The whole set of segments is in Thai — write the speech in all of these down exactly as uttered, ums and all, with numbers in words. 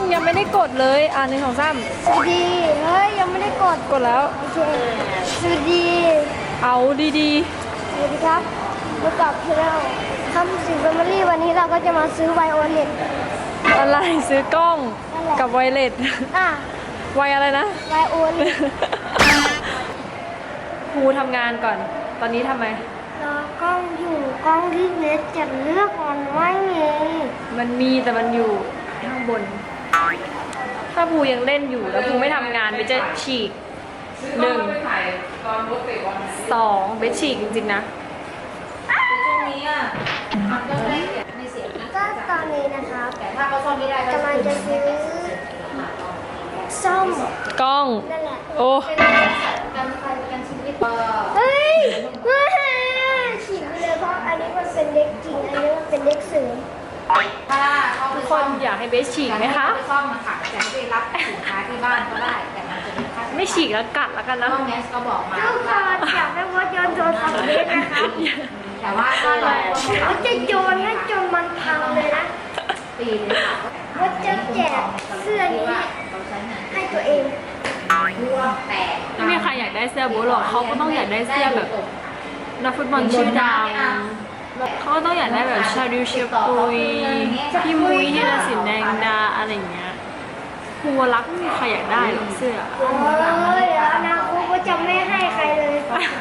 ยังไม่ได้กดเลยอ่านหนึ่งสองสามสวัสดีเฮ้ยยังไม่ได้กดกดแล้วโอเคสวัสดีเอาดีสวัสดีครับพบกับเราคำสิงแฟมิลี่วันนี้เราก็จะมาซื้อไวโอเลตๆอะไรซื้อกล้องนั่นแหละกับไวเลสอ่ะไวอะไรนะไวโอเลตครูทำงานก่อน ตอนนี้ทำไมรอกล้องอยู่กล้องที่เน็ตจะเลือกมันไม่มีมันมีแต่มันอยู่ข้างบน ถ้าภูยังเล่นอยู่แล้วภูไม่ทำงานเบสจะฉีกหนึ่งสองเบสฉีกจริงๆนะก็ตอนนี้นะครับแต่ถ้าเขาซ่อมไม่ได้กำลังจะซื้อซ่อมกล้องนั่นแหละโอ้การไฟกันชีวิตเฮ้ยว้าฉีกไปเลยเพราะอันนี้มันเป็นเด็กจริงอันนี้มันเป็นเด็กเสริมถ้าเขาทุกคนอยากให้เบสฉีกไหมคะไปซ่อมมาค่ะแต่ไม่ได้รับสินค้าที่บ้านก็ได้ แต่มันจะมีค่าไม่ฉีกแล้วกัดแล้วกันนะห้องแนสก็บอกมาทุกคนอยากได้วัดยนต์โทรศัพท์เล็กนะครับแต่ว่าถ้าเราวัดจะโยนให้จนมันพังเลยนะปีเลยค่ะวัดจะแจกเสื้อนี้เราใช้งานให้ตัวเองร่วงแตกไม่มีใครอยากได้เสื้อโบ๊ทหรอกเขาก็ต้องอยากได้เสื้อแบบนักฟุตบอลชื่อดังเขาก็ต้องอยากได้แบบชาดิวเชฟปุยพี่มุ้ยที่ราสินแดงดาอะไรอย่างเงี้ยครูรักไม่มีใครอยากได้หรอกเสื้อเอ้ยเดี๋ยวอนาคตก็จะไม่ให้ใครเลย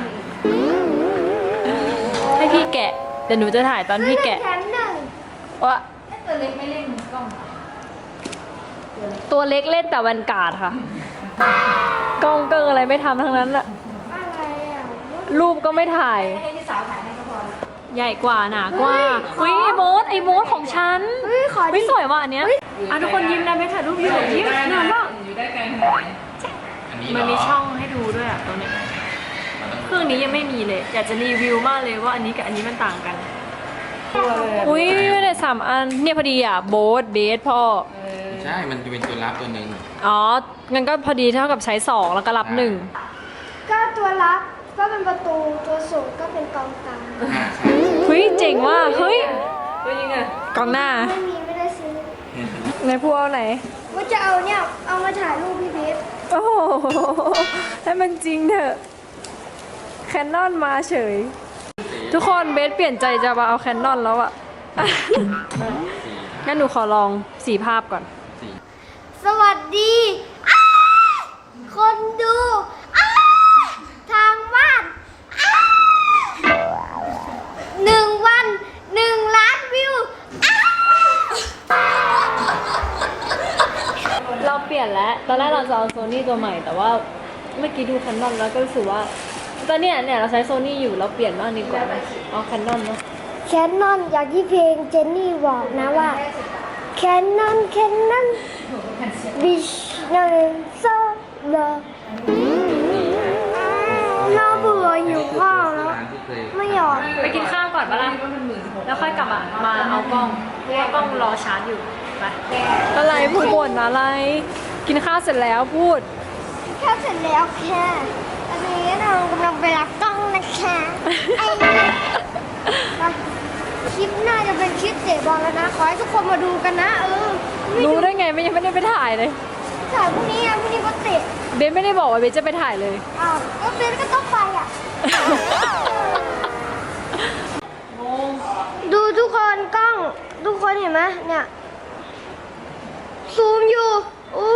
ให้พี่แกะเดี๋ยวหนูจะถ่ายตอนพี่แกะแถมหนึ่งว่าตัวเล็กไม่เล่นกล้องตัวเล็กเล่นแต่แวนการ์ดค่ะกล้องเกิ้งอะไรไม่ทำทั้งนั้นอะอะไรอ่ะรูปก็ไม่ถ่ายให้พี่สาวถ่ายให้ก็พอใหญ่กว่าหนากว่าอุ้ยไอโมสไอโมสของฉันเฮ้ยขอไม่ดิสวยว่ะอันเนี้ยอ่ะทุกคนยิ้มนะไม่ถ่ายรูปอยู่ยิ้มนานมากอยู่ได้ไกลขนาดไหนอันนี้เหรมันมีช่องให้ดูด้วยอ่ะตรงนี้เครื่องนี้ยังไม่มีเลย อยากจะรีวิวมากเลยว่าอันนี้กับอันนี้มันต่างกัน อุ้ยเนี่ยสามอันเนี่ยพอดีอ่ะโบ๊ทเบสพ่อใช่ มันจะเป็นตัวรับตัวหนึ่งอ๋องั้นก็พอดีเท่ากับใช้สองแล้วก็รับหนึ่งก็ตัวรับก็เป็นประตูตัวสูงก็เป็นกองกลางอ่าใช่เฮ้ยเจ๋งว่ะเฮ้ยกองหน้าไม่มีไม่ได้ซื้อในพูเอาไหนว่าจะเอาเนี่ยเอามาถ่ายรูปพี่เบสโอ้โหให้มันจริงเถอะแคนนอนมาเฉย ทุกคนเบสเปลี่ยนใจจะมาเอาแคนนอนแล้วอะ งั้นหนูขอลองสีภาพก่อนสวัสดีอ้าคนดูอ้าทางบ้านอ้าหนึ่งวันหนึ่งล้านวิวอ้าเราเปลี่ยนแล้ว ตอนแรกเราจะเอาโซนี่ตัวใหม่ แต่ว่าเมื่อกี้ดูแคนนอนแล้วก็รู้สึกว่า ตอนเนี้ยเนี่ยเราใช้โซนี่อยู่เราเปลี่ยนบ้างดีกว่าไหมเอาแคนนอนเนาะแคนนอนอย่างที่เพลงเจนนี่บอกนะว่าแคนนอนแคนนอนบิชนอนโซโลน่าเบื่ออยู่ข้าวแล้วร้านที่เคยไม่ยอมไปกินข้าวก่อนปะล่ะแล้วค่อยกลับมามาเอากล้องเพราะว่ากล้องรอชาร์จอยู่ ไปอะไรพูดบ่นอะไร กินข้าวเสร็จแล้วพูดแค่เสร็จแล้วแค่อันนี้เรากำลังไปรับกล้องนะคะไอ้คลิปหน้าจะเป็นคลิปเตะบอลแล้วนะ ขอให้ทุกคนมาดูกันนะ เออไม่รู้ดูได้ไงไม่ยังไม่ได้ไปถ่ายเลยถ่ายพรุ่งนี้อ่ะพรุ่งนี้ก็เตะเบนไม่ได้บอกว่าเบนจะไปถ่ายเลยอ้าวก็เบนก็ต้องไปอ่ะ ดูทุกคนกล้องทุกคนเห็นไหมเนี่ย ซูมอยู่อู้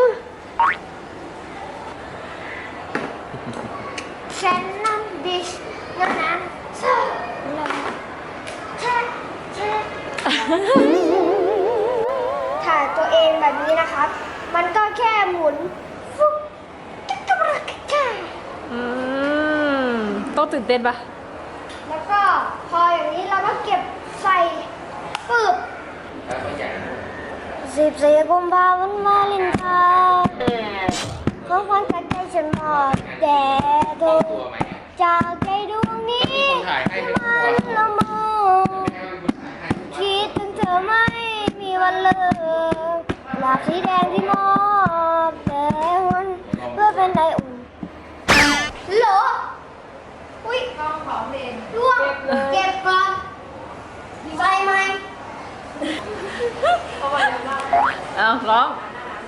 แคนนอนดิชนั่นนะเช่เช่เช่ถ่ายตัวเองแบบนี้นะครับ มันก็แค่หมุนฟุ๊บกิ๊กกะบะกิ๊กกะอืมต้องตื่นเต้นปะแล้วก็พออย่างนี้เราก็เก็บใส่ปึ๊บแล้วก็ใหญ่สิบสี่กุมภาพันธ์วาเลนไทน์ของขวัญจากใจฉันมอบแด่เธอตัวไหมจากใจดวงนี้มีคนถ่ายให้เป็นมัตัวนละเมอไม่ให้เป็นคนถ่ายให้คิดถึงเธอไม่มีวันเลิกหลากสีแดงที่มอบแด่วันเพื่อเป็นไดอุ่นเหรออุ้ยกล้องของเล่นร่วงเก็บก่อนใส่ไหมเอาร้อง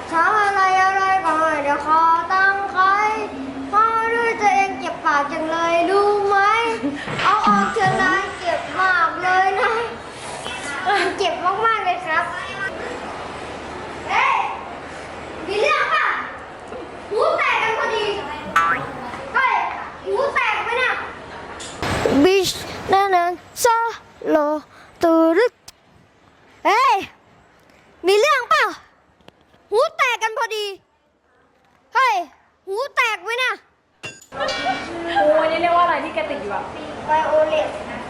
ทำอะไรอะไรก็ไม่ได้ขอตังค์ใครเพราะด้วยตัวเองเก็บปากจังเลยรู้ไหม เอาออกเถอะนะเก็บมากเลยนะเก็บมากๆเลยครับเฮ้ยมีเรื่องป่ะหูแตกกันพอดีเฮ้ยหูแตกไหมเนี่ยบิชนั่นนั่นโซโลตูรึกเฮ้ยมีเรื่องป่ะหูแตกกันพอดีเฮ้ยหูแตกไหมเนี่ยโอ้ยนี่เรียกว่าอะไรที่แกติดอยู่อะไวโอเลต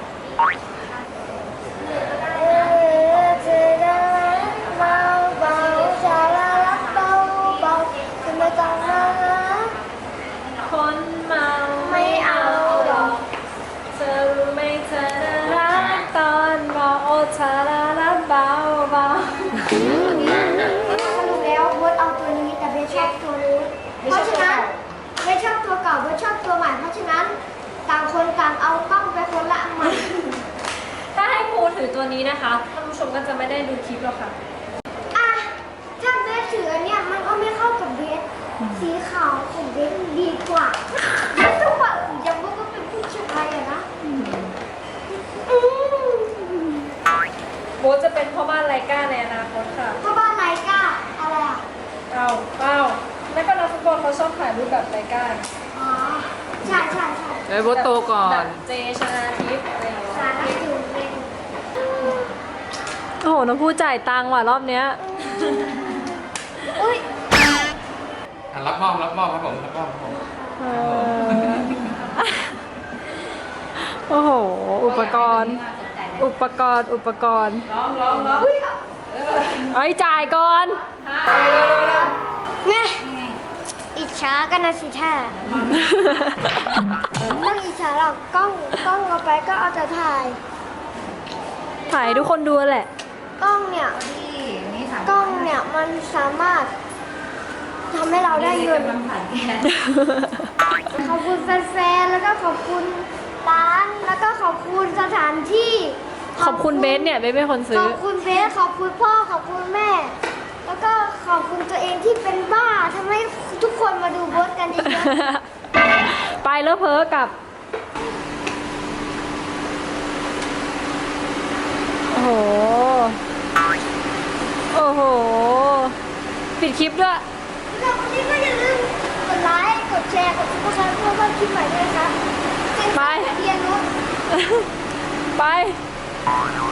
เออเธอได้เบาเบาชาลาลับเบาเบาจะไม่ต้องมาคนเมาไม่เอาหรอกเธอรู้ไหมเธอน่ารักตอนเมาโอชาลาลาเบาเบาสรุปแล้วเบิร์ดเอาตัวนี้แต่เบสชอบตัวนี้เพราะฉะนั้นเบสชอบตัวเก่าเบสชอบตัวใหม่เพราะฉะนั้นต่างคนต่างเอากล้องไปคนละอันใหม่ถ้าให้ครูถือตัวนี้นะคะท่านผู้ชมก็จะไม่ได้ดูคลิปหรอกค่ะอ่ะถ้าเบสถืออันเนี้ยมันก็ไม่เข้ากับเบสสีขาวของเบสดีกว่าเบสต้องว่าอย่างว่าก็เป็นผู้ชายอะนะอืมโบทจะเป็นพ่อบ้านไลก้าในอนาคตค่ะพ่อบ้านไลกาอะไรอ่ะเอาเอาแล้วก็นักฟุตบอลเขาชอบถ่ายรูปแบบไลก้าอ๋อใช่ใช่ใช่เอ้ยโบทโตก่อแบนบเจชนาทิพย์อะไรอย่างเงี้ยสารอยู่ในโอ้โหน้องผู้จ่ายตังค์ว่ะรอบเนี้ยอุ้ยอ่ะรับมอบรับมอบครับผมรับมอบครับผมเออโอ้โห อุปกรณ์ อุปกรณ์ อุปกรณ์ร้องร้องร้องเอ้ยจ่ายก่อนไงอิจฉากันนะสิแท้ไม่ต้องอิจฉาหรอกกล้องกล้องเอาไปก็เอาแต่ถ่ายถ่ายให้ทุกคนดูแหละกล้องเนี่ยที่นี่ถามกล้องเนี่ยมันสามารถทำให้เราได้เงินกำลังผ่านแกนขอบคุณแฟนๆแล้วก็ขอบคุณร้านแล้วก็ขอบคุณสถานที่ขอบคุณเบสเนี่ยเบสเป็นคนขซื้ออบคุณเบสขอบคุณพ่อขอบคุณแม่ แล้วก็ขอบคุณตัวเองที่เป็นบ้าทำให้ทุกคนมาดูโบสกันเยอะไปแล้วเพ้อกับ โอ้โห โอ้โห ปิดคลิปด้วยๆแล้ววันนี้ก็อย่าลืมกดไลค์กดแชร์กดซับสไครต์เพื่อเพิ่มคลิปใหม่ด้วยนะครับไปเรียนรู้ไป